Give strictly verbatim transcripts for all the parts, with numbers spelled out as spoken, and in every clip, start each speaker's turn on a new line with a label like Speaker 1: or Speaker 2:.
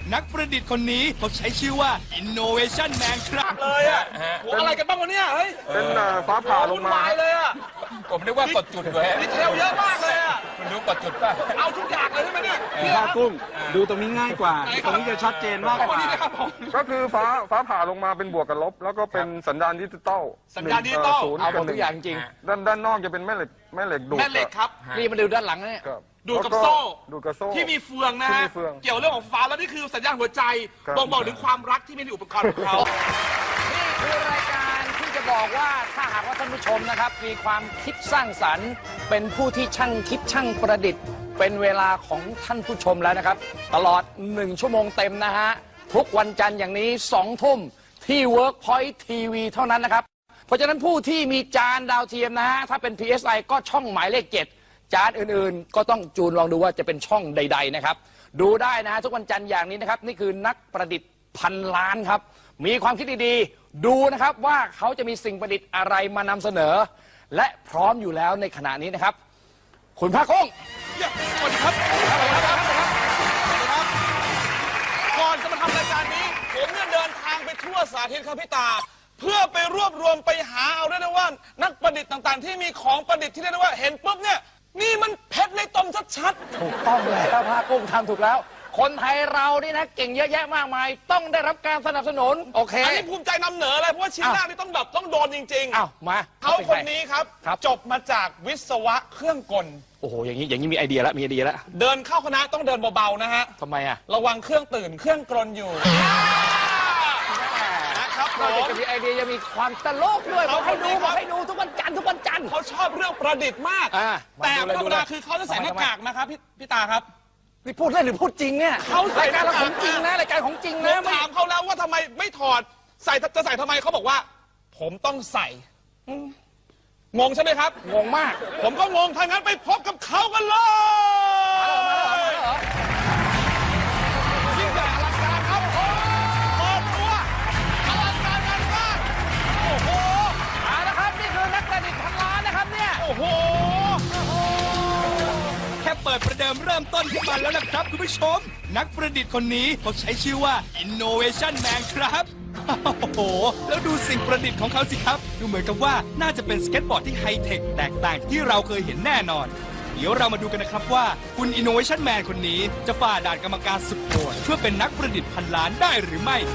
Speaker 1: นักประดิษฐ์คนนี้เขาใช้ชื่อว่า Innovation Man ครับ
Speaker 2: เลยอ่ะโหอะไรกันบ้างวะเนี่ยเฮ้ย
Speaker 3: เป็นฟ้าผ่าลงมา
Speaker 2: เลยอ่ะ
Speaker 4: ผมนึกว่ากดจุดด้วย
Speaker 2: ดีเทลเยอะมากเลยอ่ะ
Speaker 4: มันรู้กดจุดป่ะ
Speaker 2: เอาทุกอย่างเลยใช่ไหมเนี่ย
Speaker 3: ผ้ากุ้งดูตรงนี้ง่ายกว่าตรงนี้จะชัดเจนมากกว่าก็คือฟ้าฟ้าผ่าลงมาเป็นบวกกับลบแล้วก็เป็นสัญญาณดิจิตอล
Speaker 2: สัญญาณดิจิตอล
Speaker 4: เอาหมดทุกอย่างจริง
Speaker 3: ด้านด้านนอกจะเป็นแม่เหล็กแม่เหล็กดูด
Speaker 2: แม่เหล็กครับ
Speaker 4: นี่มาดูด้านหลังเนี่ย
Speaker 2: ดูดกับโซ่
Speaker 3: ดูดกับโซ่
Speaker 2: ที่มีเฟืองนะฮะเกี่ยวเรื่องของฟ้าแล้วนี่คือสัญญาณหัวใจบ่งบอกถึงความรักที่มีในอุปกรณ์ของเขา
Speaker 4: นี่คือรายการที่จะบอกว่าถ้าหากว่าท่านผู้ชมนะครับมีความคิดสร้างสรรค์เป็นผู้ที่ช่างคิดช่างประดิษฐ์เป็นเวลาของท่านผู้ชมแล้วนะครับตลอดหนึ่งชั่วโมงเต็มนะฮะทุกวันจันทร์อย่างนี้สองทุ่มที่ Workpoint ที วี เท่านั้นนะครับเพราะฉะนั้นผู้ที่มีจานดาวเทียมนะฮะถ้าเป็น พี เอส ไอ ก็ช่องหมายเลขเจ็ดจานอื่นๆก็ต้องจูนลองดูว่าจะเป็นช่องใดๆนะครับดูได้นะฮะทุกวันจันทร์อย่างนี้นะครับนี่คือนักประดิษฐ์พันล้านครับมีความคิดดีๆดูนะครับว่าเขาจะมีสิ่งประดิษฐ์อะไรมานำเสนอและพร้อมอยู่แล้วในขณะนี้นะครับคุณภาคกุ้ง
Speaker 2: สวัสดีครับก่อนจะมาทำรายการนี้ผมเนี่ยเดินทางไปทั่วสาธิตครับพี่ตาเพื่อไปรวบรวมไปหาเอาได้นะว่านักประดิษฐ์ต่างๆที่มีของประดิษฐ์ที่เรียกได้ว่าเห็นปุ๊บเนี่ยนี่มันเพชรในตมชัด
Speaker 4: ๆถูกต้องแล้วภาคกุ้งทำถูกแล้วคนไทยเรานี่นะเก่งเยอะแยะมากมายต้องได้รับการสนับสนุนโอเค
Speaker 2: อันนี้ภูมิใจนำเหนือเลยเพราะว่าชิ้นแรกนี่ต้องแบบต้องโดนจริงๆ
Speaker 4: อ้าวมา
Speaker 2: เขาคนนี้ครับจบมาจากวิศวะเครื่องกล
Speaker 4: โอ้โหอย่างนี้อย่างนี้มีไอเดียแล้วมีไอเดียแล้ว
Speaker 2: เดินเข้าคณะต้องเดินเบาๆนะฮะ
Speaker 4: ทำไมอ่ะ
Speaker 2: ระวังเครื่องตื่นเครื่องกลนอยู่นะครับ
Speaker 4: เราจะมีไอเดียยังมีความตลกด้วยเขาให้ดูเขาให้ดูทุกวันจันทร์ทุกวันจันทร์
Speaker 2: เขาชอบเรื่องประดิษฐ์มากแต่ธรรมดาคือเขาจะใส่หน้ากากนะครับพี่พี่ตาครับ
Speaker 4: นี่พูดเล่นหรือพูดจริงเนี่ย
Speaker 2: เขา
Speaker 4: รายการเราของจริงนะรายการของจริงนะ
Speaker 2: ถามเขาแล้วว่าทำไมไม่ถอดใส่จะใส่ทำไมเขาบอกว่าผมต้องใส่งงใช่ไหมครับ
Speaker 4: งงมาก
Speaker 2: ผมก็งงถ้างั้นไปพบกับเขากันเลยยิ่งใหญ่อลังการครับโอ้เปิดตัวอลังการงานมากโอ้โห
Speaker 4: เอาละครับนี่คือนักประดิษฐ์พันล้านนะครับเนี่ย
Speaker 2: โอ้โห
Speaker 1: แค่เปิดประเดิมเริ่มต้นขึ้นมาแล้วนะครับคุณผู้ชมนักประดิษฐ์คนนี้เขาใช้ชื่อว่า Innovation Man ครับโอ้โหแล้วดูสิ่งประดิษฐ์ของเขาสิครับดูเหมือนกับว่าน่าจะเป็นสเก็ตบอร์ดที่ไฮเทคแตกต่างจากที่เราเคยเห็นแน่นอนเดี๋ยวเรามาดูกันนะครับว่าคุณ Innovation Man คนนี้จะฝ่าด่านกรรมการสุดโหดเพื่อเป็นนักประดิษฐ์พันล้านได้หรือไม่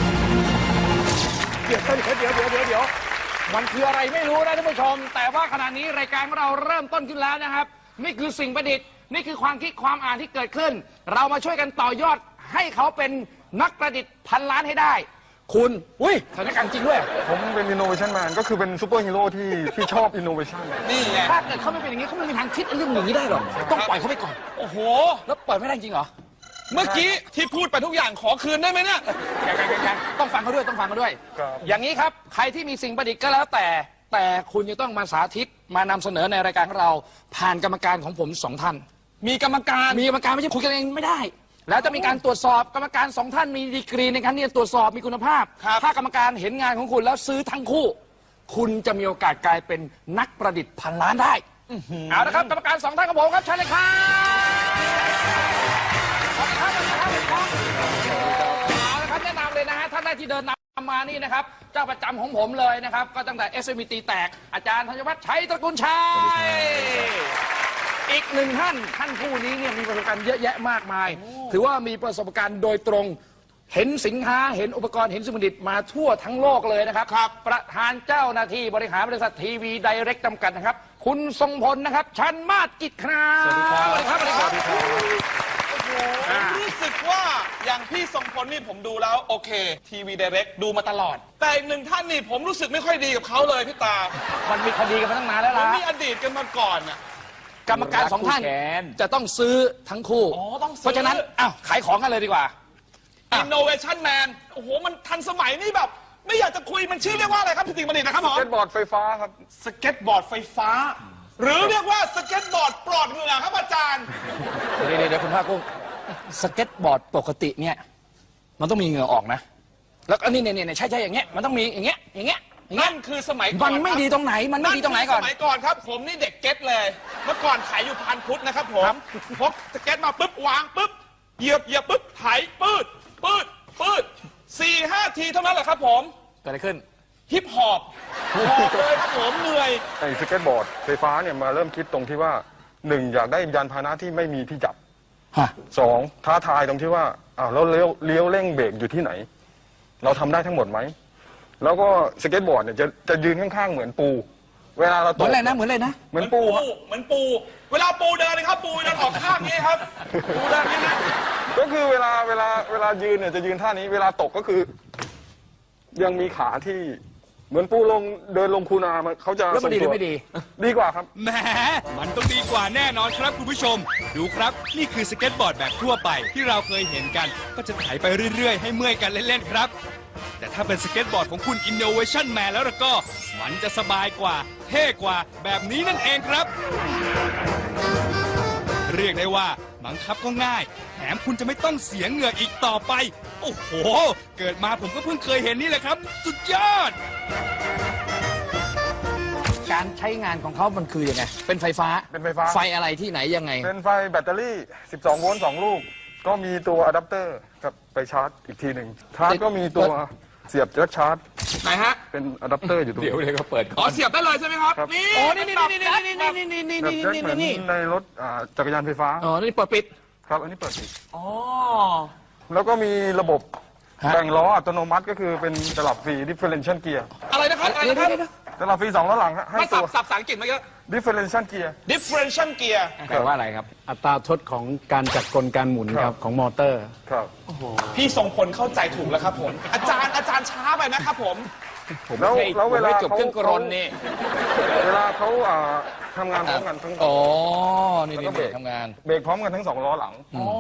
Speaker 4: เดี๋ยวเดี๋ยวเดี๋ยวเดี๋ยวเดี๋ยวเดี๋ยวมันคืออะไรไม่รู้นะท่านผู้ชมแต่ว่าขณะนี้รายการของเราเริ่มต้นขึ้นแล้วนะครับนี่คือสิ่งประดิษฐ์นี่คือความคิดความอ่านที่เกิดขึ้นเรามาช่วยกันต่อยอดให้เขาเป็นนักประดิษฐ์พันล้านให้ได้คุณอุ้ยสถานการณ์จริงด้วย
Speaker 3: ผมเป็น Innovation Man ก็คือเป็นซูเปอร์ฮีโร่ที่ที่ชอบ Innovation
Speaker 2: นี่ไง
Speaker 4: ถ้าเกิดเขาไม่เป็นอย่างนี้เขาไม่มีทางคิดเรื่องอย่างนี้ได้หรอกต้องปล่อยเขาไปก่อน
Speaker 2: โอ้โห
Speaker 4: แล้วปล่อยไม่ได้จริงเหรอ
Speaker 2: เมื่อกี้ที่พูดไปทุกอย่างขอคืนได้ไหมเนี่ย
Speaker 4: ยังยังยังต้องฟังเขาด้วยต้องฟังเขาด้วยอย่างนี้ครับใครที่มีสิ่งประดิษฐ์ก็แล้วแต่แต่คุณจะต้องมาสาธิตมานำเสนอในรายการของเราผ่านกรรมการของผมสองท่าน
Speaker 2: มีกรรมการ
Speaker 4: มีกรรมการไม่ใช่คุยกันเองไม่ได้แล้วจะมีการตรวจสอบกรรมการสองท่านมีดีกรีในการที่จะตรวจสอบมีคุณภาพถ้ากรรมการเห็นงานของคุณแล้วซื้อทั้งคู่คุณจะมีโอกาสกลายเป็นนักประดิษฐ์พันล้านได้เอาละครับกรรมการสองท่านของผมครับเชิญเลยครับเอาละครับแนะนำเลยนะฮะท่านแรกที่เดินนำมานี่นะครับเจ้าประจำของผมเลยนะครับก็ตั้งแต่ เอส เอ็ม ตี แตกอาจารย์ธัญวัฒน์ชัยตระกูลชัยอีกหนึ่งท่านท่านผู้นี้เนี่ยมีประสบการณ์เยอะแยะมากมายถือว่ามีประสบการณ์โดยตรงเห็นสินค้าเห็นอุปกรณ์เห็นสิ่งประดิษฐ์มาทั่วทั้งโลกเลยนะครับประธานเจ้าหน้าที่บริหารบริษัททีวีไดเรกจำกัดนะครับคุณทรงพลนะครับชันมาศกิจครับสวัสดีครับสวัสดีครับสวัสดีครับ
Speaker 2: ผมรู้สึกว่าอย่างพี่ทรงพลนี่ผมดูแล้วโอเคทีวีไดเรกดูมาตลอดแต่อีกหนึ่งท่านนี่ผมรู้สึกไม่ค่อยดีกับเขาเลยพี่ตา
Speaker 4: มันมีคดีกันมาตั้งนานแล้วล่ะ
Speaker 2: มันมีอดีตกันมาก่อนอ่ะ
Speaker 4: กรรมการสองท่านจะต้องซื้อทั้งคู่เพราะฉะนั้นอ้าวขายของกันเลยดีกว่า
Speaker 2: Innovation Man โอ้โหมันทันสมัยนี่แบบไม่อยากจะคุยมันชื่อเรียกว่าอะไรครับพี่ติ๋งประดิษฐ์นะครับผม
Speaker 3: สเก็ตบอร์ดไฟฟ้าครับ
Speaker 2: สเก็ตบอร์ดไฟฟ้าหรือเรียกว่าสเก็ตบอร์ดปลอดเหงื่อครับอาจารย์
Speaker 4: เดี๋ยวเดี๋ยวคุณภาคกุ้งสเก็ตบอร์ดปกติเนี่ยมันต้องมีเหงื่อออกนะแล้วอันนี้เนี่ยเนี่ยใช่ใช่อย่างเงี้ยมันต้องมีอย่างเงี้ยอย่างเงี้ย
Speaker 2: นั่นคือสมัยก่อน
Speaker 4: มันไม่ดีตรงไหนมันไม่ดีตรงไหนก่อน
Speaker 2: สมัยก่อนครับผมนี่เด็กเก็ตเลยเมื่อก่อนขายอยู่พันพุทธนะครับผมพกสเก็ตมาปุ๊บวางปุ๊บเหยียบเหยียบปุ๊บไถปืดทีเท่านั้นแหละครับผม
Speaker 4: เกิดอะไรขึ้น
Speaker 2: ฮิปฮอปหอบเลยครับผมเหนื่อย
Speaker 3: ไอ้สเก็ตบอร์ดไฟฟ้าเนี่ยมาเริ่มคิดตรงที่ว่าหนึ่งอยากได้ยานพาหนะที่ไม่มีที่จับ
Speaker 4: ฮะ
Speaker 3: สองท้าทายตรงที่ว่าอ้าวแล้วเลี้ยวเลี้ยวเร่งเบรกอยู่ที่ไหน เราทำได้ทั้งหมดไหมแล้วก็สเก็ตบอร์ดเนี่ยจะจะยืนข้างๆเหมือนปู เวลาเรา
Speaker 4: เห
Speaker 3: ต
Speaker 4: มือก นอะไรนะ เหมือนอะไรนะ
Speaker 3: เหมือนปูฮะ
Speaker 2: เหมือนปู เวลาปูเดินเลยครับ ปูเดินออกข้างนี้ครับ ปูเดินนี้นะ
Speaker 3: ก็คือเวลาเวลาเวลายืนเนี่ยจะยืนท่านี้ เวลาตกก็คือ ยังมีขาที่เหมือนปูลงเดินลงคูนามันเขาจะ
Speaker 4: แล้วมันดีหรือไม่ดี
Speaker 3: ดีกว่าครับ
Speaker 1: แหมมันต้องดีกว่าแน่นอนครับคุณผู้ชม ดูครับ นี่คือสเก็ตบอร์ดแบบทั่วไปที่เราเคยเห็นกัน ก็จะไถไปเรื่อย ๆ ให้เมื่อยกันเล่น ๆ ครับ แต่ถ้าเป็นสเก็ตบอร์ดของคุณ Innovation Man แล้วล่ะก็ มันจะสบายกว่า เท่กว่าแบบนี้นั่นเองครับ เรียกได้ว่าบังคับก็ง่าย แถมคุณจะไม่ต้องเสียเหงื่ออีกต่อไป โอ้โห เกิดมาผมก็เพิ่งเคยเห็นนี่แหละครับ สุดยอด
Speaker 4: การใช้งานของเขามันคือยังไง เป็นไฟฟ้า
Speaker 3: เป็นไฟฟ้า
Speaker 4: ไฟอะไรที่ไหนยังไง
Speaker 3: เป็นไฟแบตเตอรี่ สิบสอง โวลต์สองลูก ก็มีตัวอะแดปเตอร์ครับไปชาร์จอีกทีหนึ่งชาร์จก็มีตัวเสียบแจ็คชาร์จ
Speaker 2: ไหนฮะ
Speaker 3: เป็นอะแดปเตอร์อยู่ตรง
Speaker 4: เดี๋ยว
Speaker 3: นี้
Speaker 4: เดี๋ยวก็เปิด
Speaker 2: อ๋อเสียบได้เลยใช่ไหมครับ
Speaker 3: ครับ
Speaker 2: นี่
Speaker 4: อ๋อ นี่นี่นี่นี่นี่นี่นี่นี่
Speaker 3: แบบ
Speaker 4: นี่
Speaker 3: แจ็ค
Speaker 4: นี่
Speaker 3: เหมือน
Speaker 4: นี่
Speaker 3: ในรถอ่าจักรยานไฟฟ้า
Speaker 4: อ๋อ นี่เปิดปิด
Speaker 3: ครับ อันนี้เปิดปิด
Speaker 2: อ๋อ
Speaker 3: แล้วก็มีระบบ
Speaker 4: ฮะ
Speaker 3: แบ่งล้ออัตโนมัติก็คือเป็นตลับฟรี differential gear
Speaker 2: อะไรนะครับ อะไร
Speaker 4: เดี๋ยว
Speaker 2: นะครับ
Speaker 4: เดี๋ยวเดี๋ยว
Speaker 3: ตลับฟรีสองล้อหลังฮะให้
Speaker 2: มา
Speaker 3: ตั
Speaker 2: สับ
Speaker 3: ว
Speaker 2: สับภาษาอังกฤษมาเยอะ
Speaker 3: differential gear
Speaker 2: differential gear
Speaker 4: แปลว่าอะไรครับ
Speaker 5: อัตราทดของการจัดกลการหมุน
Speaker 3: ค
Speaker 5: ค
Speaker 3: รั
Speaker 5: รับ บของมอเตอร์
Speaker 3: ครับ
Speaker 2: พี่ทรงพลเข้าใจถูกแล้วครับผม อาจารย์อาจารย์ช้าไปนะครับผม
Speaker 3: แล้วแล้วเวลา
Speaker 4: ไม่จบ
Speaker 3: เขา
Speaker 4: เครื่องกรนนี่
Speaker 3: เวลาเขาอ่าทำงานพร้อมกันทั้ง
Speaker 4: อ๋อ นี่
Speaker 3: แล้วก็
Speaker 4: นี่
Speaker 3: เบรก
Speaker 4: ทำงาน
Speaker 3: เบรกพร้อมกันทั้งสองล้อหลัง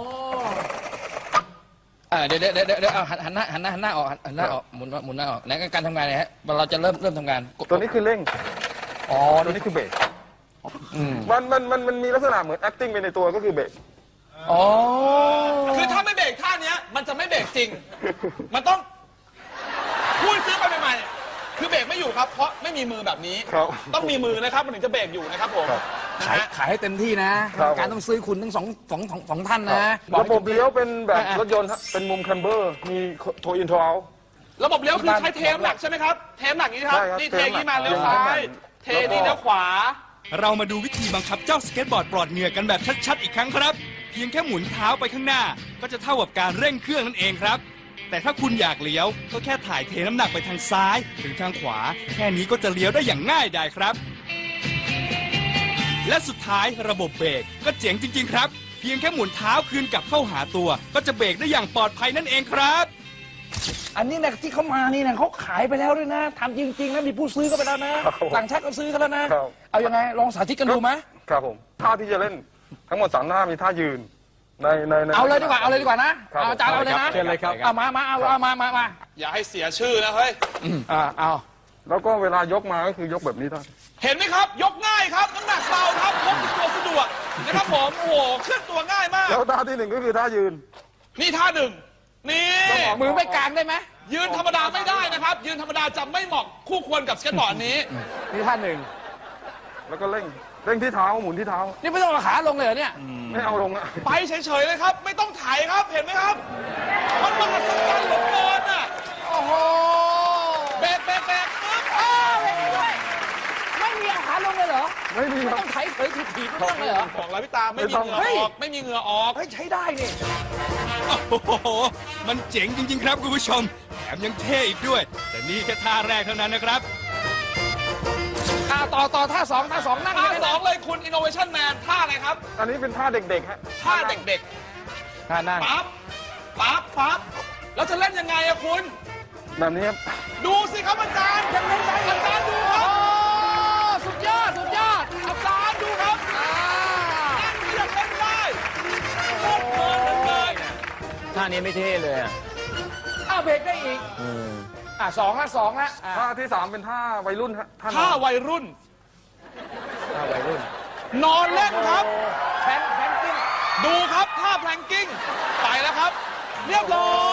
Speaker 4: อ่าเดี๋ยวเดี๋ยวเดี๋ยวเดี๋ยวเอาหันหันหน้าหันหน้าหันหน้าออกหันหน้าออกหมุนหมุนหน้าออกไหนการทำงานเนี่ยฮะเราจะเริ่มเริ่มทำงานกด
Speaker 3: ตัวนี้คือเร่ง
Speaker 4: อ๋อ
Speaker 3: ตัวนี้คือเบรกมันมันมันมันมีลักษณะเหมือน acting ไปในตัวก็คือเบรก
Speaker 4: อ๋อ
Speaker 2: คือถ้าไม่เบรกท่าเนี้ย มันจะไม่เบรกจริง มันต้องพูดซื้อไปใหม่ๆคือเบรกไม่อยู่ครับ เพราะไม่มีมือแบบนี้
Speaker 3: ครับ
Speaker 2: ต้องมีมือนะครับ มันถึงจะเบรกอยู่นะครับผม
Speaker 3: ครับ
Speaker 2: นะ
Speaker 4: ขาย
Speaker 2: ฮะ
Speaker 4: ขายให้เต็มที่นะครับ การต้องซื้อคุณทั้งสองสองสองสองท่านนะอก
Speaker 3: ระ
Speaker 4: ให้
Speaker 3: บบเลี้ยวเป็นแบบ
Speaker 4: อ่ะ
Speaker 3: รถยนต์ฮะเป็นมุมคัมเบอร์ มีโทอินทราว
Speaker 2: ระบบเลี้ยวคือใช้เทมหลักใช่ไหมครับ เทมหลักนี้ครับ
Speaker 3: ใช่ครับ
Speaker 2: นี่เทนี้มา
Speaker 3: เท
Speaker 2: เลี้ยว
Speaker 3: มหลัก
Speaker 2: ซ้าย เท
Speaker 3: แล้วก็
Speaker 2: นี่เลี้ยวขวา
Speaker 1: เรามาดูวิธีบังคับเจ้าสเก็ตบอร์ดปลอดเหงื่อกันแบบชัดๆอีกครั้งครับ เพียงแค่หมุนเท้าไปข้างหน้า ก็จะเท่ากับการเร่งเครื่องนั่นเองครับ แต่ถ้าคุณอยากเลี้ยวก็แค่ถ่ายเทน้ำหนักไปทางซ้ายหรือทางขวา แค่นี้ก็จะเลี้ยวได้อย่างง่ายดายครับ และสุดท้ายระบบเบรกก็เจ๋งจริง ๆ ครับ เพียงแค่หมุนเท้าคืนกลับเข้าหาตัว ก็จะเบรกได้อย่างปลอดภัยนั่นเองครับ
Speaker 4: อันนี้นะที่เขามานี่นะเขาขายไปแล้วด้วยนะทำจริงๆนะมีผู้ซื้อก็ไปแล้วนะครับ
Speaker 3: ผม
Speaker 4: ต่างชาติก็ซื้อกันแล้วนะ
Speaker 3: ครับ
Speaker 4: เอายังไงลองสาธิตกันดูไหม
Speaker 3: ครับผม ท่าที่จะเล่นทั้งหมดสามท่ามีท่ายืน ในในใน
Speaker 4: เอาเลยดีกว่าเอาเลยดีกว่านะครับ เอาอาจารย์เอาเลยนะ
Speaker 5: เชิญเลยครับ
Speaker 4: เอามามาเอาเอามามามา
Speaker 2: อย่าให้เสียชื่อนะเฮ้ย
Speaker 4: อ่าเอา
Speaker 3: แล้วก็เวลายกมาก็คือยกแบบนี้ท่าน
Speaker 2: เห็นไหมครับ ยกง่ายครับ น้ำหนักเบาครับพกติดตัวสะดวกนะครับผม โอ้โห เคลื่อนตัวง่ายมาก
Speaker 3: แล้วท่าที่หนึ่งก็คือท่ายืน
Speaker 2: นี่ท่าหนึ่ง นี่
Speaker 4: มือไม่กลางได้ไหม
Speaker 2: ยืนธรรมดาไม่ได้นะครับ ยืนธรรมดาจะไม่เหมาะคู่ควรกับสเก็ตบอร์ดนี้
Speaker 4: นี่ท่านหนึ่ง
Speaker 3: แล้วก็เร่ง เร่งที่เท้าหมุนที่เท้า
Speaker 4: นี่ไม่ต้องเอาขาลงเลยเหรอเนี่ย
Speaker 3: ไม่เอาลงอะ
Speaker 2: ไปเฉยๆเลยครับ ไม่ต้องถ่ายครับ เห็นไหมครับ มันมหัศจรรย์เหลือเกินอ่ะ
Speaker 4: โอ้โห
Speaker 2: เบรกเบรกเบรกปึ๊บ
Speaker 4: อ้าวไม่มีด้วยไม่มีเอาขาลงเลยเหรอ
Speaker 3: ไม่มี
Speaker 4: ไม่
Speaker 3: ครับ
Speaker 4: ต้องไถเผยถีบถีบไม่ต้องเลยเหรอ
Speaker 2: บอกแล้วพี่ตาไม่มีเหงื่อ
Speaker 4: เฮ้ย
Speaker 2: ออก ไม่มีเหงื่อออก
Speaker 4: เฮ้ยใช้ได้นี่
Speaker 1: โอ้โห มันเจ๋งจริง ๆ ครับคุณผู้ชม แถมยังเท่อีกด้วย แต่นี่แค่ท่าแรกเท่านั้นนะครับ
Speaker 4: อ่าต่อต่อท่าสองท่าสองนั่ง
Speaker 2: ท่า
Speaker 4: เลย
Speaker 2: ส
Speaker 4: นะ
Speaker 2: องเลยคุณ Innovation Man ท่าอะไรครับ
Speaker 3: อันนี้เป็นท่าเด็กๆฮะ
Speaker 2: ท่าเด็ก
Speaker 4: ท่านั่ง
Speaker 2: ๆ ปั๊บ ปั๊บ ปั๊บ แล้วจะเล่นยังไงอะคุณ
Speaker 3: แบบนี้ครับ
Speaker 2: ดูสิครับอาจารย์ยังเล่นได้อาจารย์ดูค
Speaker 4: โอ้
Speaker 2: รับ
Speaker 4: สุดยอดสุดยอด
Speaker 2: อาจารย์ดูครับ
Speaker 4: อ่า
Speaker 2: นั่งเรียกเล่นได้โคตรเพลินเลย
Speaker 5: ท่านี้ไม่เท่เลยอ่ะ
Speaker 4: อ้าวเบรกได้อีกอ่าสองละสองละอ่า
Speaker 3: ท่าที่สามเป็นท่าวัยรุ่นฮะท่าน
Speaker 2: ท่า
Speaker 3: อน
Speaker 2: วัยรุ่น
Speaker 5: ท่าวัยรุ่น
Speaker 2: นอนเล่นครับ
Speaker 4: แพนแพนกิ้ง
Speaker 2: ดูครับท่าแพลงกิ้ง ไปแล้วครับ เรียบร้อย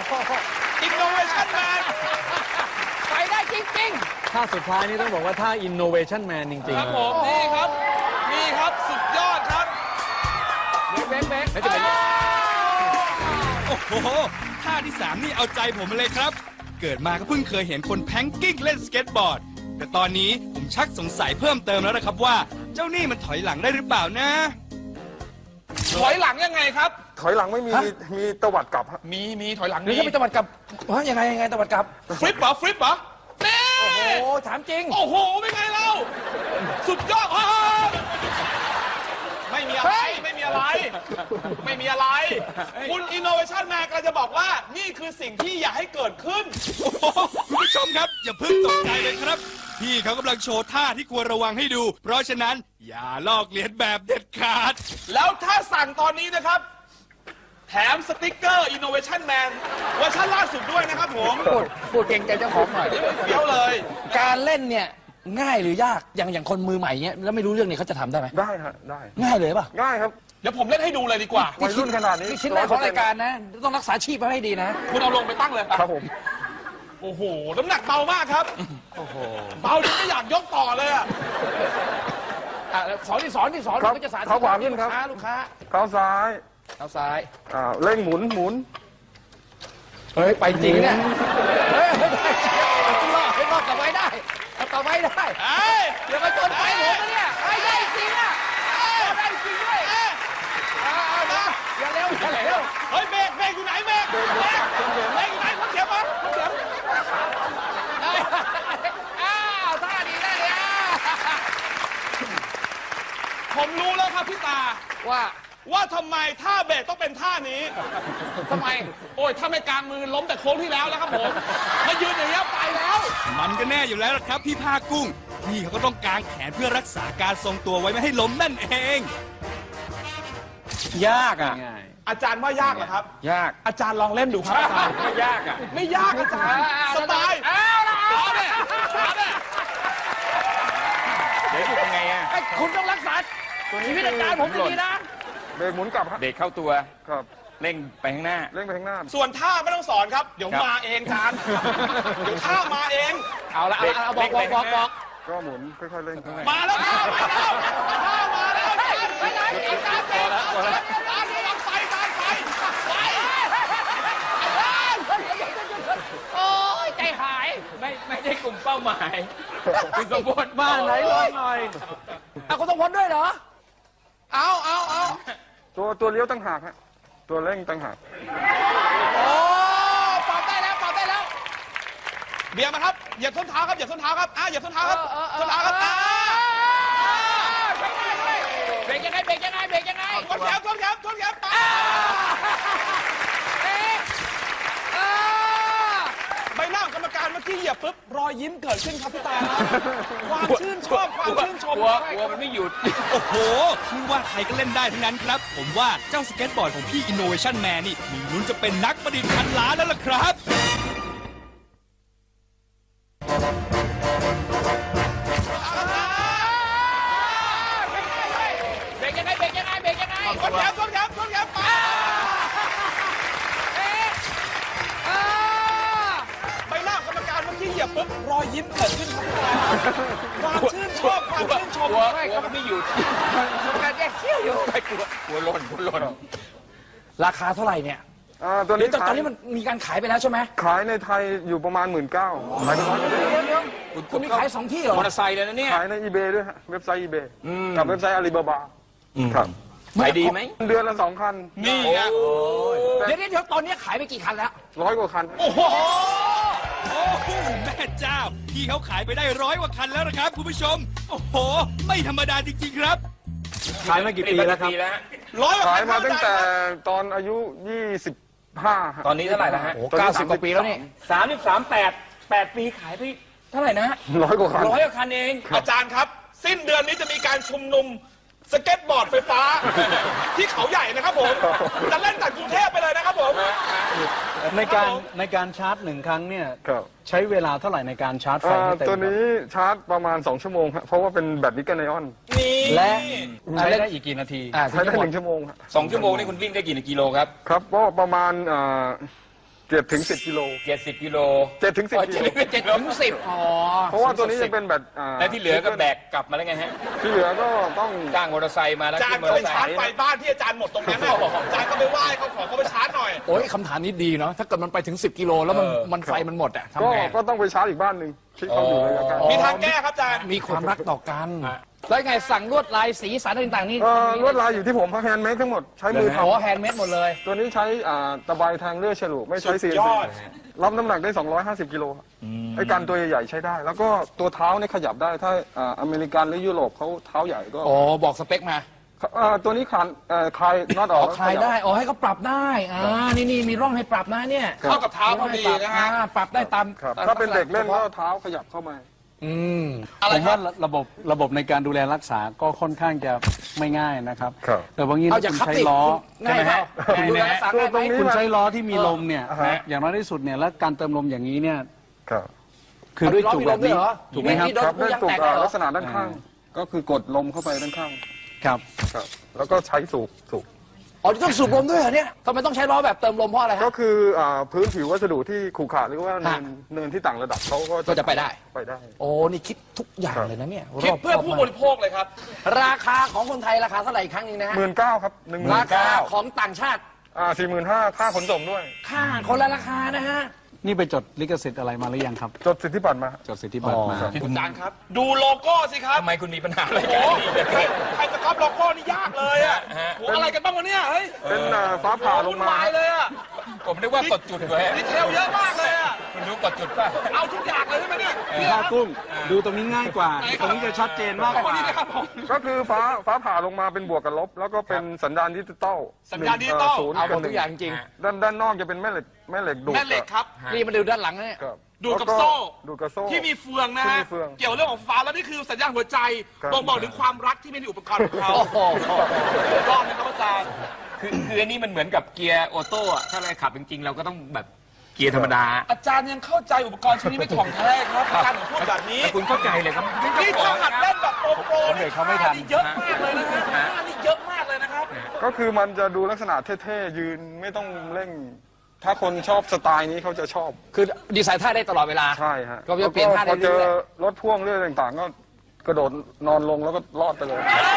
Speaker 2: Innovation Man
Speaker 4: ไปได้จริง
Speaker 5: ท่าสุดท้ายนี่ต้องบอกว่าท่า innovation man จริง
Speaker 2: ครับ
Speaker 5: ๆ
Speaker 2: ผม นี่ครับ นี่ครับ สุดยอดครับ
Speaker 4: ๆเบรกเบรก
Speaker 5: แล้วจะเป็น
Speaker 1: โอ้โห ท่าที่สามนี่เอาใจผมมาเลยครับเกิดมาก็เพิ่งเคยเห็นคนแพงกิ้งเล่นสเก็ตบอร์ด แต่ตอนนี้ผมชักสงสัยเพิ่มเติมแล้วนะครับว่า เจ้านี่มันถอยหลังได้หรือเปล่านะ
Speaker 2: ถอยหลังยังไงครับ
Speaker 3: ถอยหลังไม่มี
Speaker 4: ฮะ
Speaker 3: มีตวัดกลับฮะ
Speaker 2: มีมีถอยหลัง
Speaker 4: หรือ
Speaker 2: มี
Speaker 4: จะเป็นตะวัดกลับว่ายังไงยังไงตะวัดกลับ
Speaker 2: ฟลิปเหรอฟลิปเหรอเน่
Speaker 4: โอ้โหถามจริง
Speaker 2: โอ้โหเป็นไงเราสุดยอดฮ่าไม่มีอะไรไม่มีอะไร ไม่มีอะไร คุณ Innovation Man กำลังจะบอกว่านี่คือสิ่งที่อยากให้เกิดขึ้น
Speaker 1: โอ้โหคุณผู้ชมครับ อย่าเพิ่งตกใจเลยครับ พี่เขากำลังโชว์ท่าที่ควรระวังให้ดู เพราะฉะนั้นอย่าลอกเลียนแบบเด็ดขาด
Speaker 2: แล้วถ้าสั่งตอนนี้นะครับ แถมสติกเกอร์ Innovation Man เวอร์ชันล่าสุดด้วยนะครับผม
Speaker 4: พูดพูดเก่งใจเจ้าของหน่อย
Speaker 2: เดี๋ยวเลย
Speaker 4: การเล่นเนี่ยง่ายหรือยากอย่างอย่างคนมือใหม่เนี้ยแล้วไม่รู้เรื่องเนี่ยเขาจะทำได้ไหม
Speaker 3: ได้ฮะได้
Speaker 4: ง่ายเลยป่ะ
Speaker 3: ง่ายครับ
Speaker 2: เดี๋ยวผมเล่นให้ดูเลยดีกว่า
Speaker 3: วัยรุ่นขนาดนี้
Speaker 4: นี่ชิ้นแรกของรายการนะ ต้องรักษาชีพไว้ให้ดีนะ
Speaker 2: คุณเอาลงไปตั้งเลย
Speaker 3: ครับผม
Speaker 2: โอ้โห น้ำหนักเบามากครับ
Speaker 4: โอ้โห
Speaker 2: เบาจนไม่อยากยกต่อเลยอะ
Speaker 4: อ่ะสอนที่สอนที่สอน
Speaker 3: ครับ
Speaker 4: ก็จะสาธิต
Speaker 3: เขาขวาขึ้นครับ
Speaker 4: ลูกค้าลูกค้า
Speaker 3: เท้าซ้าย
Speaker 4: เอาซ้าย
Speaker 3: อ่าเร่งหมุนหมุน
Speaker 4: เฮ้ย ไปจริงเนี่ย เฮ้ยไม่ได้เอารอดให้รอดกลับไว้ได้เอากลับไว้ได้
Speaker 2: เอ้ย
Speaker 4: เดี๋ยวมาชนไฟผมนะเนี่ยไอ้ได้จริงอ่ะเอาได้จริงด้วยเอาเอานะอย่าเร็วอย่าเร็ว
Speaker 2: เฮ้ยเบรกเบรกอยู่ไหนเบรกเบรกเบรกอยู่ไหนคนเขียวมาคนเขียว
Speaker 4: อ้าวท่าดีได้เลยอ่ะ
Speaker 2: ผมรู้แล้วครับพี่ตา
Speaker 4: ว่า
Speaker 2: ว่าทำไมท่าเบรกต้องเป็นท่านี้
Speaker 4: ทำไม
Speaker 2: โอ้ยถ้าไม่กลางมือล้มแต่โค้งที่แล้วแล้วครับผมมายืนอย่างนี้ยไปแล้ว
Speaker 1: มันก็แน่อยู่แล้วล่ะครับพี่ภาคกุ้ง พี่เขาก็ต้องกางแขนเพื่อรักษาการทรงตัวไว้ไม่ให้ล้มนั่นเอง
Speaker 5: ยากอ่ะ ง่าย
Speaker 2: อาจารย์ว่ายากเหรอครับ
Speaker 5: ยาก
Speaker 2: อาจารย์ลองเล่นดูครับอาจารย์
Speaker 5: ไม่ยากอ่ะ
Speaker 2: ไม่ยากอาจารย์สบาย
Speaker 4: เอาละ
Speaker 2: เอาเนี่ยเอาเนี่ย
Speaker 5: เดี๋ยวอยู่ยังไงอ่ะ
Speaker 4: ไอ้คุณต้องรักษาชีวิตอาจารย์ผมดีๆนะ
Speaker 3: เบรกหมุนกลับฮะ
Speaker 5: เด็กเข้าตัว
Speaker 3: ครับ
Speaker 5: เร่งไปข้างหน้า
Speaker 3: เร่งไปข้างหน้า
Speaker 2: ส่วนท่าไม่ต้องสอนครับ เดี๋ยว
Speaker 5: ครับ
Speaker 2: มาเองอาจารย์เดี๋ยวท่ามาเอง
Speaker 4: เอาละเอาละเอาบอกบอกบอกบอก
Speaker 3: ก็หมุนค่อยๆเร่ง
Speaker 2: มาแล้วท่ามาแล้วท่ามาแล้วอาจารย์
Speaker 4: ไปไหนอาจารย์เจ็บ
Speaker 2: อาจารย์อาจารย์ลองไปอาจารย์ไปไป
Speaker 4: โอ้ยใจหาย
Speaker 5: ไม่ไม่ใช่กลุ่มเป้าหมายคุณสมบูรณ์บ้านไหนลองหน่อย
Speaker 4: เอาคุณต้องพ้นด้วยเหรอ
Speaker 2: เอาเอาเอา
Speaker 3: ตัวตัวเลี้ยวตั้งหากฮะตัวเร่งตั้งหาก
Speaker 2: โอ้ปรับได้แล้วปรับได้แล้ว เบียร์มาครับเหยียบส้นเท้าครับเหยียบส้นเท้าครับอ่ะเหยียบส้นเท้าครับส้นเท้าครับอ่ะ
Speaker 4: เบรกยังไงเบรกยังไงเบรกยังไง
Speaker 2: ชนแขนชนแขนชนแขนไป
Speaker 4: เอ๊ะอ่า
Speaker 2: ใบหน้าของกรรมการเมื่อกี้เหยียบปุ๊บรอยยิ้มเกิดขึ้นครับพี่ตาครับความชื่นชอบความชื่นชม
Speaker 5: กลัวกลัวมันไม่หยุด
Speaker 1: โอ้โหไม่ว่าใครก็เล่นได้ทั้งนั้นครับ ผมว่าเจ้าสเก็ตบอร์ดของพี่ Innovation Man นี่มีลุ้นจะเป็นนักประดิษฐ์พันล้านแล้วล่ะครับ
Speaker 4: เบรกยังไงเบรกยังไงเบรกยังไง
Speaker 2: ชนแขนชนแขนชนแขนไป
Speaker 4: เอ๊ะอ่า
Speaker 2: ใบหน้าของกรรมการเมื่อกี้เหยียบปุ๊บรอยยิ้มเกิดขึ้นครับพี่ตาความชื่นชอบความชื่นชม
Speaker 5: กลัวกลัวมันไม่หยุด
Speaker 4: การแยกเขี้ยวอยู่
Speaker 5: ไม่กลัวกลัวหล่นกลัวหล่น
Speaker 4: ราคาเท่าไหร่เนี่ย
Speaker 3: อ่าตัว
Speaker 4: หรือ
Speaker 3: นี้
Speaker 4: ตอนต
Speaker 3: ขา
Speaker 4: อย นนี้มันมีการขายไปแล้วใช่ไหม
Speaker 3: ขายในไทยอยู่ประมาณหมื่นเก้าขายในร้อย
Speaker 4: เดี๋ยวเดี๋ยวคุณมีขายสองที่เหรอ
Speaker 5: มอเตอร์ไซค์เลยนะเนี่ย
Speaker 3: ขายในอีเบด้วยฮะเว็บไซต์อีเบกับเว็บไซต์อาลีบาบาครับ
Speaker 5: ขายดีไหม
Speaker 3: เดือนละสองคัน
Speaker 2: นี่ไง
Speaker 4: เดี๋ยวเดี๋ยวตอนนี้ขายไปกี่คันแล้ว
Speaker 3: ร้อยกว่าคัน
Speaker 2: โอ้โห
Speaker 1: โอ้โหแม่เจ้า พี่เขาขายไปได้ร้อยกว่าคันแล้วนะครับคุณผู้ชม โอ้โห ไม่ธรรมดาจริงๆครับ
Speaker 5: ขายมากี่ปีแล้วครับ
Speaker 2: ร้อยกว่า
Speaker 3: ขาย
Speaker 2: คัน
Speaker 3: มาตั้งแต่
Speaker 2: ครับ
Speaker 3: ตอนอายุยี่สิบห้า
Speaker 5: ตอนนี้เท่าไหร่แล้วฮะ
Speaker 4: โอ้เก้าสิบกว่าปีแล้วนี่
Speaker 5: สามสิบสามแปดแปดปีขายไปเท่าไหร่นะ
Speaker 3: ร้อยกว่าคัน
Speaker 5: ร้อยกว่าคันเอง
Speaker 2: อาจารย์ครับ สิ้นเดือนนี้จะมีการชุมนุมสเก็ตบอร์ดไฟฟ้า ที่เขาใหญ่นะครับผม จะเล่นจากกรุงเทพไปเลยนะครับผม
Speaker 5: ในการ
Speaker 2: ครับผม
Speaker 5: ในการชาร์จหนึ่งครั้งเนี่ย
Speaker 3: ครับ
Speaker 5: ใช้เวลาเท่าไหร่ในการชาร์จไฟ
Speaker 3: อ่า
Speaker 5: ให้เต็ม
Speaker 3: ตัวนี้ชาร์จประมาณสองชั่วโมงครับเพราะว่าเป็นแบตนิกเกิลไอออน
Speaker 2: นี่
Speaker 5: และใช้ได้อีกกี่นาที
Speaker 4: อ่า
Speaker 3: ใช้ได้หนึ่งชั่วโมงครับ
Speaker 6: สองชั่วโมงนี่คุณวิ่งได้กี่กิโลครับ
Speaker 3: ครับก็ประมาณอ่าเจ็ดถึงสิบกิโล
Speaker 5: เจ็ดสิบกิโล
Speaker 3: เจ็ดถึงสิบ
Speaker 4: อ๋อ
Speaker 3: กิโล
Speaker 4: เจ็ดถึงสิบอ๋อ
Speaker 3: เพราะว่าตัวนี้จะเป็นแบบอ่า
Speaker 5: แล้วที่เหลือก็แบกกลับมาแล้วไงฮะ
Speaker 3: ที่เหลือก็ต้อง
Speaker 5: จ้างมอเตอร์ไซค์มาแล้ว
Speaker 2: อาจาร
Speaker 5: ขึ้
Speaker 2: ย์
Speaker 5: นมอ
Speaker 2: ก็
Speaker 5: เตอร์ไซค์
Speaker 2: ไปชาร์จไฟบ้านที่อาจารย์หมดตรงนั้นน่ะอาจารย์ก็ไปไหว้เขาขอเขาไปชาร์จหน่อย
Speaker 4: โอ้ยคำถามนี้ดีเนาะถ้าเกิดมันไปถึงสิบกิโลแล้วมันมันไฟมันหมดอะ
Speaker 3: ก็
Speaker 4: ทำไง
Speaker 3: ก็ต้องไปชาร์จอีกบ้านหนึ่งที่เขาอยู่ระยะไกล
Speaker 2: มีทางแก้ครับอาจารย์
Speaker 4: มีความรักต่อกัน แล้วไงสั่งลวดลายสีสันต่างๆนี่
Speaker 3: เอ่อลวดลายอยู่ที่ผมแฮนด์เมดทั้งหมดใช้มือท
Speaker 4: โอ้แฮนด์เมดหมดเลย
Speaker 3: ำตัวนี้ใช้อ่าตะไบแทงเลือดฉลุไม่ใช้
Speaker 2: สุ
Speaker 3: ซี
Speaker 2: ด
Speaker 3: เอ็น
Speaker 2: ย
Speaker 3: ซี
Speaker 2: อด
Speaker 3: รับน้ำหนักได้สองร้อยห้าสิบกิโลครับไอ้กันตัวใหญ่ๆใช้ได้ แล้วก็ตัวเท้าเนี่ยขยับได้ถ้าอ่าอเมริกันหรือยุโรปเขาเท้าใหญ่ก็
Speaker 4: โอ้บอกสเปคมา
Speaker 3: อ่าตัวนี้คลานเอ่อคลายน็อตอ
Speaker 4: อ
Speaker 3: อ
Speaker 4: อก กคลายได้อ๋อให้เขาปรับได้อ่านี่นี่มีร่องให้ปรับนะเนี่ย
Speaker 2: เข้ากับเท้าพอดีนะฮะ
Speaker 4: อ่าปรับได้ตาม
Speaker 3: ครับ
Speaker 4: ตม
Speaker 3: ถ้าเป็นเด็กเล่นก็
Speaker 4: ฉพาะ
Speaker 3: เท้าขยับเข้ามา
Speaker 4: อืม
Speaker 2: อะไร
Speaker 6: ผม
Speaker 2: ครั
Speaker 6: ว่า
Speaker 2: บ
Speaker 6: ระบบระบบในการดูแลรักษาก็ค่อนข้างจะไม่ง่ายนะครับ
Speaker 3: ครับ
Speaker 6: แต่บางที
Speaker 4: เอา
Speaker 6: ถ้า
Speaker 4: จาก
Speaker 6: คุณ
Speaker 4: คับ
Speaker 6: ใช้
Speaker 4: ติ
Speaker 6: ล้อ
Speaker 4: ง่ายไหม
Speaker 6: ใช่ไหม
Speaker 4: ดูแลรักษาง่ายไหม
Speaker 3: ตรงนี้
Speaker 6: คุณใช้ล้อที่มีลมเนี่ย
Speaker 3: อ่าฮะ
Speaker 6: อย่างน้อยที่สุดเนี่ยแล้วการเติมลมอย่างนี้เนี่ย
Speaker 3: ครับ
Speaker 6: คือด้วยจุกแบบนี้
Speaker 4: เอาล้อมีลมด้วยเหรอ
Speaker 6: ถูกไหมครับ
Speaker 4: มีโดน
Speaker 3: ครับได้
Speaker 4: ยาง
Speaker 3: ตุก
Speaker 4: แตก
Speaker 3: อ่า
Speaker 4: เหรอ
Speaker 3: ลักษณะด้านข้าง ก็คือกดลมเข้าไปด้านข้าง
Speaker 6: ครับ
Speaker 3: ครับ แล้วก็ใช้สูบสูบ
Speaker 4: อ๋อต้องสูบลมด้วยเหรอเนี่ยทำไมต้องใช้ล้อแบบเติมลมเพราะอะไร
Speaker 3: ก็
Speaker 4: ฮะ
Speaker 3: คืออ่าพื้นผิววัสดุที่ขรุขระหรือว่าเนิน
Speaker 4: ฮะ
Speaker 3: เนินที่ต่างระดับเขาก็
Speaker 4: ก็จะไปได้
Speaker 3: ไปได้
Speaker 4: โอ้นี่คิดทุกอย่างเลยนะเนี่ย
Speaker 2: คิดเพื่อ
Speaker 4: รบ
Speaker 2: ผู้
Speaker 4: มาก
Speaker 2: บริโภคเลยครับ
Speaker 4: ราคาของคนไทยราคาเท่าไหร่อีกครั้งหนึงนะฮะ
Speaker 3: หมื่นเก้าครับหนึ่งหมื่
Speaker 4: ราน คา
Speaker 3: เก้า
Speaker 4: ของต่างชาติ
Speaker 3: อ่าสี่หมื่นห้าค่าขนส่งด้วย
Speaker 4: ค่าคนละราคานะฮะ
Speaker 6: นี่ไปจดลิขสิทธิ์อะไรมาหรือยังครับ
Speaker 3: จดสิทธิบัตรมา
Speaker 6: จดสิทธิบัตรมา
Speaker 3: อ๋อ
Speaker 2: คุณอาจารย์ครับ ดูโลโก้สิครับ
Speaker 5: ทำไมคุณมีปัญหาอะไร
Speaker 2: โอ้
Speaker 5: กัน
Speaker 2: โหใครใครจะก๊อปโลโก้นี่ยากเลยอ่ะโหอะไรกันบ้างวะเนี่ยเฮ้ย
Speaker 3: เป็นอ่าฟ้าผ่าลง
Speaker 2: วุ่น
Speaker 3: มา
Speaker 2: วายเลยอ่ะ
Speaker 5: ผมนึกว่ากดจุดไว้
Speaker 2: ดีเทลเยอะมากเลยอ่ะ
Speaker 5: คุณรู้กดจุดป่ะ
Speaker 2: เอาทุกอย่างเลยใช่ไหมเนี่ยเนี่ย
Speaker 6: ผ้า
Speaker 2: ครับ
Speaker 6: กุ้งดูตรงนี้ง่ายกว่า ตรงนี้จะชัดเจนมากกว่า
Speaker 2: นี่นะครับผม
Speaker 3: ก็คือฟ้าฟ้าผ่าลงมาเป็นบวกกับลบ แล้วก็เป็นสัญญาณดิจิตอล
Speaker 2: สัญญาณดิจิตอล
Speaker 3: ศูนย์
Speaker 4: เอาหม
Speaker 3: กับ
Speaker 4: ด
Speaker 3: ห
Speaker 4: ทุ
Speaker 3: นึ่
Speaker 4: ก
Speaker 3: ง
Speaker 4: อย่างจริง
Speaker 3: ด้านด้านนอกจะเป็นแม่เหล็กแม่เหล็กดูด
Speaker 2: แม่เหล็กครับ
Speaker 4: นี่มาดูด้านหลังนะเนี่ย
Speaker 3: ครับ
Speaker 2: ดูดกับ
Speaker 3: แล้ว
Speaker 2: โซ่
Speaker 3: ดูดกับโซ่
Speaker 2: ที่มีเฟืองนะ
Speaker 3: ที่
Speaker 2: ฮะ
Speaker 3: มีเฟือง
Speaker 2: เกี่ยวเรื่องของฟ้าแล้วนี่คือสัญญาณหัวใจ
Speaker 3: ครับ
Speaker 2: บ่งบอกถึงความรักที่มีในอุปกรณ์ของเขา
Speaker 4: โอ้โห
Speaker 2: สุดยอดนะครับอาจารย์
Speaker 5: คือคืออันนี้มันเหมือนกับเกียร์ออโต้อะถ้าเราขับจริงๆ เราก็ต้องแบบเกียร์ธรรมดา
Speaker 2: อาจารย์ยังเข้าใจอุปกรณ์ชิ้นนี้ไม่ถ่องแท้ครับอาจารย์ถึงพูดแบบนี้
Speaker 5: แต่คุณเข้าใจเลยครับ
Speaker 2: นี่ถ้าหัดเล่นแบบโปรโปร
Speaker 6: เด็กเขาไม่ทัน
Speaker 2: นี่เยอะมากเลยนะฮะท่านี่เยอะมากเลยนะครับ
Speaker 3: ก็คือมันจะดูลักษณะเท่ๆยืนไม่ต้องเร่ง ถ้าคนชอบสไตล์นี้เขาจะชอบ
Speaker 4: คือดีไซน์ท่าได้ตลอดเวลา
Speaker 3: ใช่ฮะ
Speaker 4: ก็จะเปลี่ยนท่าได้
Speaker 3: พอเจอ
Speaker 4: เรื่อย
Speaker 3: รถพ่วงเรื่องต่างๆ ก็กระโดดนอนลงแล้วก็รอดไปเลย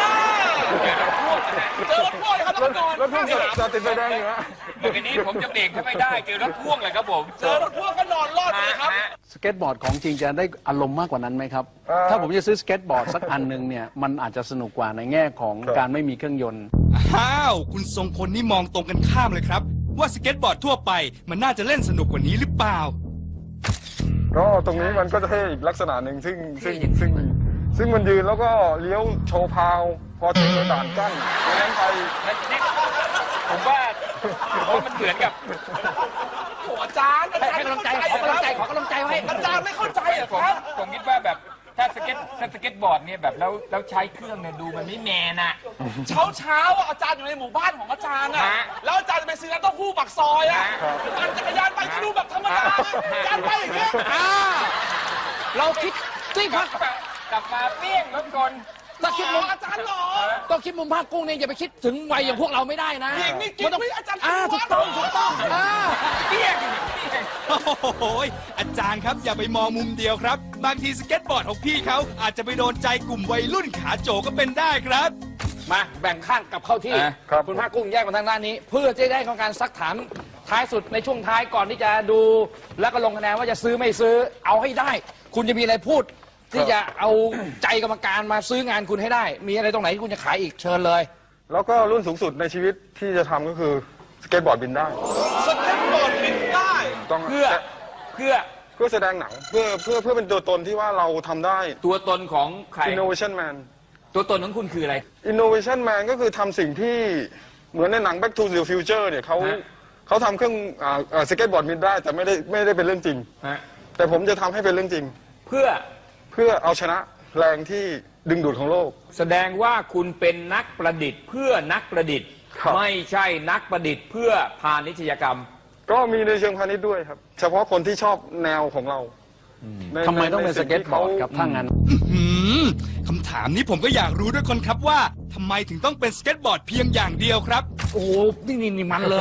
Speaker 2: เจอรถพ่วงครับแล้วก็นอน
Speaker 3: รถพ่วงจะติดไฟแดงอยู่ฮะ
Speaker 5: เดี๋ยวนี้ผมจะเบรกถ้าไม่ได้เจอรถพ่วงเลยครับผม
Speaker 2: เจอรถพ่วงก็นอนรอดเลยครับ
Speaker 6: สเก็ตบอร์ดของจริงจะได้อารมณ์มากกว่านั้นไหมครับ
Speaker 3: เอ่อ
Speaker 6: ถ้าผมจะซื้อสเก็ตบอร์ดสักอันหนึ่งเนี่ย มันอาจจะสนุกกว่าในแง่ของ
Speaker 3: ครับ
Speaker 6: การไม่มีเครื่องยนต์
Speaker 1: อ้าว คุณทรงพลนี่มองตรงกันข้ามเลยครับ ว่าสเก็ตบอร์ดทั่วไปมันน่าจะเล่นสนุกกว่านี้หรือเปล่า
Speaker 3: ก็ตรงนี้มันก็จะเท่อีกลักษณะหนึ่งซึ่งซึ่งซึ่งซึ่งมันยืนแล้วก็เลี้ยวโชว์พาว พอเจอด่านกั้นดังนั้นไป
Speaker 5: ผมว่าผมว่ามันเหมือนกับ
Speaker 2: โอ้อาจารย์อา
Speaker 4: ให้
Speaker 2: จาร
Speaker 4: ให้
Speaker 2: ย์
Speaker 4: กำลังใจขอกำลังใจขอกำลังใจไว้
Speaker 2: อาจารย์ไม่เข้าใจเหรอ
Speaker 5: ผม
Speaker 2: ครับ
Speaker 5: ผมคิดว่าแบบถ้าสเก็ตถ้าสเก็ตบอร์ดเนี่ยแบบแล้วแล้วใช้เครื่องเนี่ยดูมันไม่แมนอะ
Speaker 2: เช้าเช้าๆอ่ะอาจารย์อยู่ในหมู่บ้านของอาจารย์อ่ะ
Speaker 5: ฮะ
Speaker 2: แล้วอาจารย์จะไปซื้อน้ำเต้าหู้ปักซอยอ่ะปั่นจักรยานไปก็ดูแบบธรรมดาอาจารย์ไปอย่างเงี้ย
Speaker 4: อ่าเราคิดที่พัก
Speaker 5: กลับมาเปี้ยงรถกล
Speaker 4: ถ้าคิดมุม
Speaker 2: อาจารย์หรอ
Speaker 4: ต้องคิดมุมภาคกุ้งเนี่ยอย่าไปคิดถึงวัยอย่างพวกเราไม่ได้นะ
Speaker 2: หญิงนี่กิ๊กไม่อาจารย์
Speaker 4: อ่าถูกต้องถูกต้องอ่า
Speaker 5: เปี้ยง
Speaker 1: โอ้โหยอาจารย์ครับอย่าไปมองมุมเดียวครับ บางทีสเก็ตบอร์ดของพี่เขาอาจจะไปโดนใจกลุ่มวัยรุ่นขาโจก็เป็นได้ครับ
Speaker 4: มาแบ่งข้างกลับเข้าที่
Speaker 5: อ่ะ
Speaker 3: ครับ
Speaker 4: คุณภาคกุ้งแยกมาทางด้านนี้ เพื่อจะได้ของการซักถามท้ายสุดในช่วงท้ายก่อนที่จะดูแล้วก็ลงคะแนนว่าจะซื้อไม่ซื้อเอาให้ได้ คุณจะมีอะไรพูด ที่จะเอาใจกรรมการมาซื้องานคุณให้ได้ มีอะไรตรงไหนที่คุณจะขายอีกเชิญเลย
Speaker 3: แล้วก็รุ่นสูงสุดในชีวิตที่จะทำก็คือสเก็ตบอร์ดบินได้
Speaker 2: สเก็ตบอร์ดบินได้
Speaker 3: ต้อง
Speaker 5: เพื่อเพื่อ
Speaker 3: เพื่อแสดงหนังเพื่อเพื่อเพื่อเป็นตัวตนที่ว่าเราทำได้
Speaker 5: ตัวตนของใคร
Speaker 3: innovation man
Speaker 5: ตัวตนของคุณคืออะไร
Speaker 3: innovation man ก็คือทำสิ่งที่เหมือนในหนัง back to the future เนี่ยเขา
Speaker 5: ฮะ
Speaker 3: เขาทำเครื่องอ่าอ่าสเก็ตบอร์ดบินได้แต่ไม่ได้ไม่ได้เป็นเรื่องจริง
Speaker 5: ฮะ
Speaker 3: แต่ผมจะทำให้เป็นเรื่องจริง
Speaker 5: เพื่อ
Speaker 3: เพื่อเอาชนะแรงที่ดึงดูดของโลก
Speaker 5: แสดงว่าคุณเป็นนักประดิษฐ์ เพื่อนักประดิษฐ์
Speaker 3: ครับ
Speaker 5: ไม่ใช่นักประดิษฐ์ เพื่อพาณิชยกรรม
Speaker 3: ก็มีในเชิงพาณิชย์ด้วยครับ เฉพาะคนที่ชอบแนวของเราใน
Speaker 6: ทำไมต้องเป็น
Speaker 3: ใน
Speaker 6: ส
Speaker 3: สิ่
Speaker 6: เก็ต
Speaker 3: ที่
Speaker 6: บอ
Speaker 3: ขา
Speaker 6: ร์ดครับถ้างั้น
Speaker 1: หืมคำถามนี้ผมก็อยากรู้ด้วยคนครับว่าทำไมถึงต้องเป็นสเก็ตบอร์ดเพียงอย่างเดียวครับ
Speaker 4: โอ้โหนี่นี่นี่มันเลย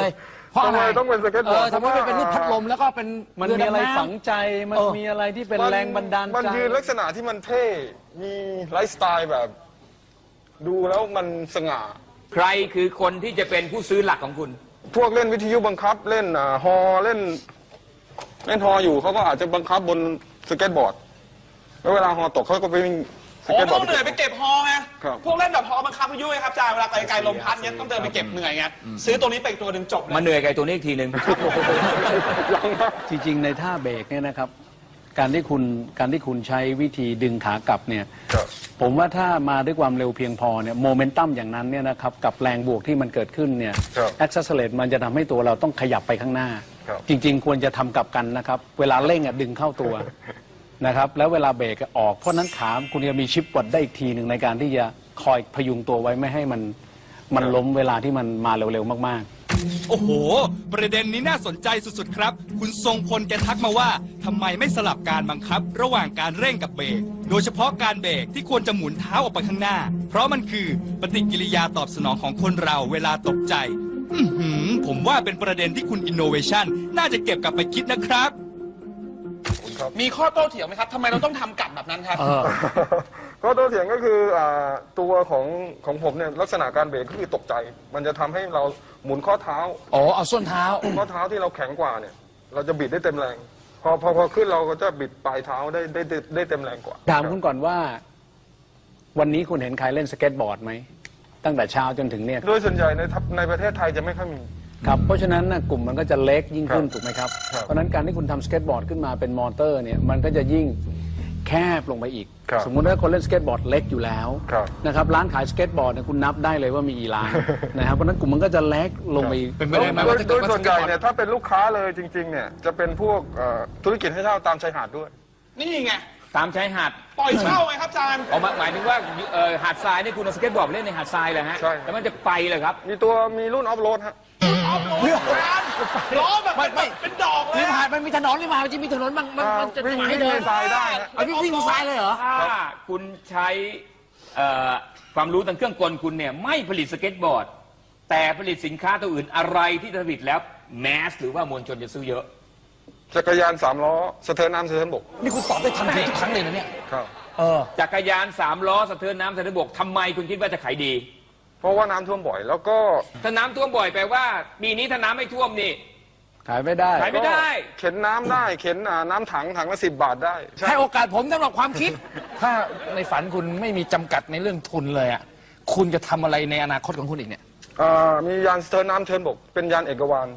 Speaker 4: เพราะอะไร
Speaker 3: ทำไมต้องเป็นสเก็ตบอร์ด
Speaker 4: เออทำไมไม่เป็นรูปพัดลมแล้วก็เป็น
Speaker 6: มัน
Speaker 4: เรือ
Speaker 6: มีอะไร
Speaker 4: ดำน้ำ
Speaker 6: ฝังใจ มัน
Speaker 4: เออ
Speaker 6: มีอะไรที่เป็น
Speaker 3: มั
Speaker 6: แรงบันดาลใจ
Speaker 3: มันยืนลักษณะที่มันเท่ มีไลฟ์สไตล์แบบ ดูแล้วมันสง่า
Speaker 5: ใครคือคนที่จะเป็นผู้ซื้อหลักของคุณ
Speaker 3: พวกเล่นวิทยุบังคับเล่นอ่าฮอเล่น เล่นฮออยู่เขาก็อาจจะบังคับบนสเก็ตบอร์ด แล้วเวลาฮอตกเขาก็ไปวิ่งส
Speaker 2: โอ้
Speaker 3: เก็ตบอ
Speaker 2: ต้
Speaker 3: ร์
Speaker 2: อ
Speaker 3: ด
Speaker 2: งเหนื่อยไปเก็บฮอไง
Speaker 3: ครับ
Speaker 2: พวกเล่นแบบฮอบังคับพายุไงครับอาจารย์เวลาไกลๆลมพัดเนี้ยต้องเดินไปเก็บเหนื่อยไงซื้อตัวนี้ไปอีกตัวหนึ่งจบเลย
Speaker 5: มาเหนื่อยกับไอ้ตัวนี้อีกทีหนึ่ง
Speaker 3: ยังนะ
Speaker 6: จริงๆ ในท่าเบรกเนี่ยนะครับ การที่คุณการที่คุณใช้วิธีดึงขากลับเนี่ย
Speaker 3: ครับ
Speaker 6: ผมว่าถ้ามาด้วยความเร็วเพียงพอเนี่ยโมเมนตัมอย่างนั้นเนี่ยนะครับกับแรงบวกที่มันเกิดขึ้นเนี่ย
Speaker 3: ครับ
Speaker 6: แอคซัสเลตมันจะทำให้ตัวเราต้องขยับไปข้างหน้า
Speaker 3: ครับ
Speaker 6: จริง ๆ ควรจะทำกลับกันนะครับ เวลาเร่งอ่ะดึงเข้าตัว นะครับแล้วเวลาเบรกอะออกเพราะนั้นขาคุณจะมีชิปวัดได้อีกทีหนึ่งในการที่จะคอยพยุงตัวไว้ไม่ให้มันมันล้มเวลาที่มันมาเร็วๆมากๆ
Speaker 1: โอ้โห ประเด็นนี้น่าสนใจสุดๆครับ คุณทรงพลแกทักมาว่าทำไมไม่สลับการบังคับ ระหว่างการเร่งกับเบรก โดยเฉพาะการเบรกที่ควรจะหมุนเท้าออกไปข้างหน้า เพราะมันคือปฏิกิริยาตอบสนองของคนเราเวลาตกใจ อือหือผมว่าเป็นประเด็นที่คุณ Innovation น่าจะเก็บกลับไปคิดนะครับ
Speaker 2: มีข้อโต้เถียงไหมครับทำไมเราต้องทำกลับแบบนั้นครับ
Speaker 3: ก็ตัวเถียงก็คืออ่าตัวของของผมเนี่ยลักษณะการเบรกก็คือตกใจ มันจะทำให้เราหมุนข้อเท้า
Speaker 4: อ๋อเอาส้นเท้า
Speaker 3: ข้อเท้าที่เราแข็งกว่าเนี่ย เราจะบิดได้เต็มแรง พอพอพอขึ้นเราก็จะบิดปลายเท้าได้ได้ได้ได้เต็มแรงกว่า
Speaker 6: ถามคุณก่อนว่า วันนี้คุณเห็นใครเล่นสเก็ตบอร์ดไหมตั้งแต่เช้าจนถึงเนี่ย
Speaker 3: โดยส่วนใหญ่ในทัพในประเทศไทยจะไม่ค่อยมี
Speaker 6: ครับเพราะฉะนั้นนะกลุ่มมันก็จะเล็กยิ่งขึ้น
Speaker 3: ครับ
Speaker 6: ถูกไหมครับ
Speaker 3: ครับ
Speaker 6: เพราะฉะนั้นการที่คุณทำสเก็ตบอร์ดขึ้นมาเป็นมอเตอร์เนี่ยมันก็จะยิ่งแคบลงไปอีก
Speaker 3: ครับ
Speaker 6: สมมุติว่าคนเล่นสเก็ตบอร์ดเล็กอยู่แล้ว
Speaker 3: ครับ
Speaker 6: นะครับร้านขายสเก็ตบอร์ดเนี่ยคุณนับได้เลยว่ามีกี่ร้าน นะครับเพราะฉะนั้นกลุ่มมันก็จะเล็กลงไปอีก
Speaker 4: เป็นไปได้ไหม
Speaker 3: โด
Speaker 4: ว่าย ถ้า
Speaker 3: โด
Speaker 4: เกิด
Speaker 3: ย
Speaker 4: ว่า
Speaker 3: ส่วนใหญ่
Speaker 4: สเก็ตบอร์ด
Speaker 3: เนี่ยถ้าเป็นลูกค้าเลยจริงๆเนี่ยจะเป็นพวกเอ่อธุรกิจให้เช่าตามชายหาดด้วย
Speaker 2: นี่ไง
Speaker 5: ตามชายหาด
Speaker 2: ปล่อยเช่าไงครับอาจารย์
Speaker 5: เอามาหมายถึงว่าเอ่อหาดทรายนี่คุณเอาสเก็ตบอร์ดไปเล่นในหาดทรายเลยฮะ
Speaker 3: ใช่ครับ
Speaker 5: แล้วมันจะไปเลยครับ
Speaker 3: มีตัวมีรุ่นออฟโรดฮะ
Speaker 2: ออฟโรดอาจารย์ล้อแบบ
Speaker 4: ไม่ไม่
Speaker 2: เป็นดอกเลย
Speaker 4: ริม
Speaker 2: อะ
Speaker 4: หาดมันมีถนนริมหาดมันจะมีถนนบางมันมันจะ
Speaker 3: วิ่ง
Speaker 4: ให้
Speaker 3: วิ่ง
Speaker 4: เดิ
Speaker 3: ใน
Speaker 4: น
Speaker 3: ทรายได้ฮะ
Speaker 4: เอาวิ่งวิ่งทรายเลยเหรอ
Speaker 5: ถ้าคุณใช้เอ่อความรู้ทางเครื่องกลคุณเนี่ยไม่ผลิตสเก็ตบอร์ด แต่ผลิตสินค้าตัวอื่นอะไรที่ผลิตแล้วแมสหรือว่ามวลชนจะซื้อเยอะ
Speaker 3: จักรยานสามล้อสะเทินน้ำสะเทินบก
Speaker 4: นี่คุณตอบได้ทันทีทุกครั้งเลยนะเนี่ย
Speaker 3: ครับ
Speaker 4: เออ
Speaker 5: จักรยานสามล้อสะเทินน้ำสะเทินบกทำไมคุณคิดว่าจะขายดี
Speaker 3: เพราะว่าน้ำท่วมบ่อย แล้วก็
Speaker 5: ถ้าน้ำท่วมบ่อยแปลว่าปีนี้ถ้าน้ำไม่ท่วมนี่
Speaker 6: ขายไม่ได้
Speaker 5: ขายไม่ได้
Speaker 3: เข็นน้ำได้เข็นอ่าน้ำถังถังละสิบบาทได้ใช่
Speaker 4: ให้โอกาสผมสำหรับความคิด ถ้าในฝันคุณไม่มีจำกัดในเรื่องทุนเลยอ่ะคุณจะทำอะไรในอนาคตของคุณอีกเนี่ย
Speaker 3: อ่ามียานสะเทินน้ำสะเทินบก เป็นยานเอกวาน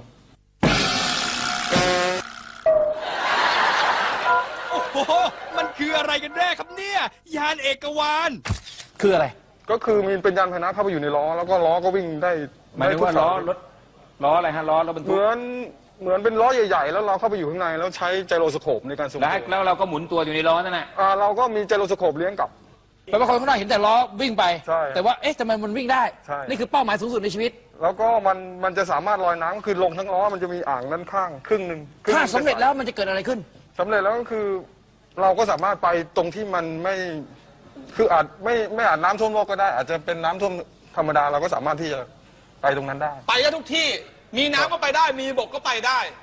Speaker 1: โอ้โห มันคืออะไรกันแน่ครับเนี่ย ยานเอกวาน
Speaker 4: คืออะไร
Speaker 3: ก็คือมีเป็นยานพาหนะเข้าไปอยู่ในล้อ แล้วก็ล้อก็วิ่งได้
Speaker 5: หมายถึงว่า
Speaker 3: ได้ทุก
Speaker 5: ล้อ
Speaker 3: สย
Speaker 5: รถล้ออะไรฮะล้อรถบรร
Speaker 3: เห
Speaker 5: ทุก
Speaker 3: มือนเหมือนเป็นล้อใหญ่ๆ แล้วเราเข้าไปอยู่ข้างในแล้วใช้ไจโรสโคปในการทรง
Speaker 5: แล้ว
Speaker 3: ตัว
Speaker 5: แล้วเราก็หมุนตัวอยู่ในล้อนั่นแหละ
Speaker 3: อ่าเราก็มีไจโรสโคปเลี้ยงกลับ
Speaker 4: แปลว่าคนข้างนอกเห็นแต่ล้อวิ่งไป
Speaker 3: ใช่
Speaker 4: แต่ว่าเอ๊ะทำไมมันวิ่งได้
Speaker 3: ใช่
Speaker 4: นี่คือเป้าหมายสูงสุดในชีวิต
Speaker 3: แล้วก็มันมันจะสามารถลอยน้ำคือลงทั้งล้อมันจะมีอ่างด้านข้างครึ่งหนึ่งคงห
Speaker 4: ถ้า
Speaker 3: นึ่ง
Speaker 4: สำเร็จแล้วมันจะเกิดอะไรขึ้น
Speaker 3: สำเร็จแล้วก็คือ เราก็สามารถไปตรงที่มันไม่คืออาจไม่ไม่อาจน้ำท่วมโลกก็ได้ อาจจะเป็นน้ำท่วมธรรมดาเราก็สามารถที่จะไปตรงนั้นได้
Speaker 2: ไปได้ทุกที่ มีน้ำก็ไปได้ มีบกก็ไปได้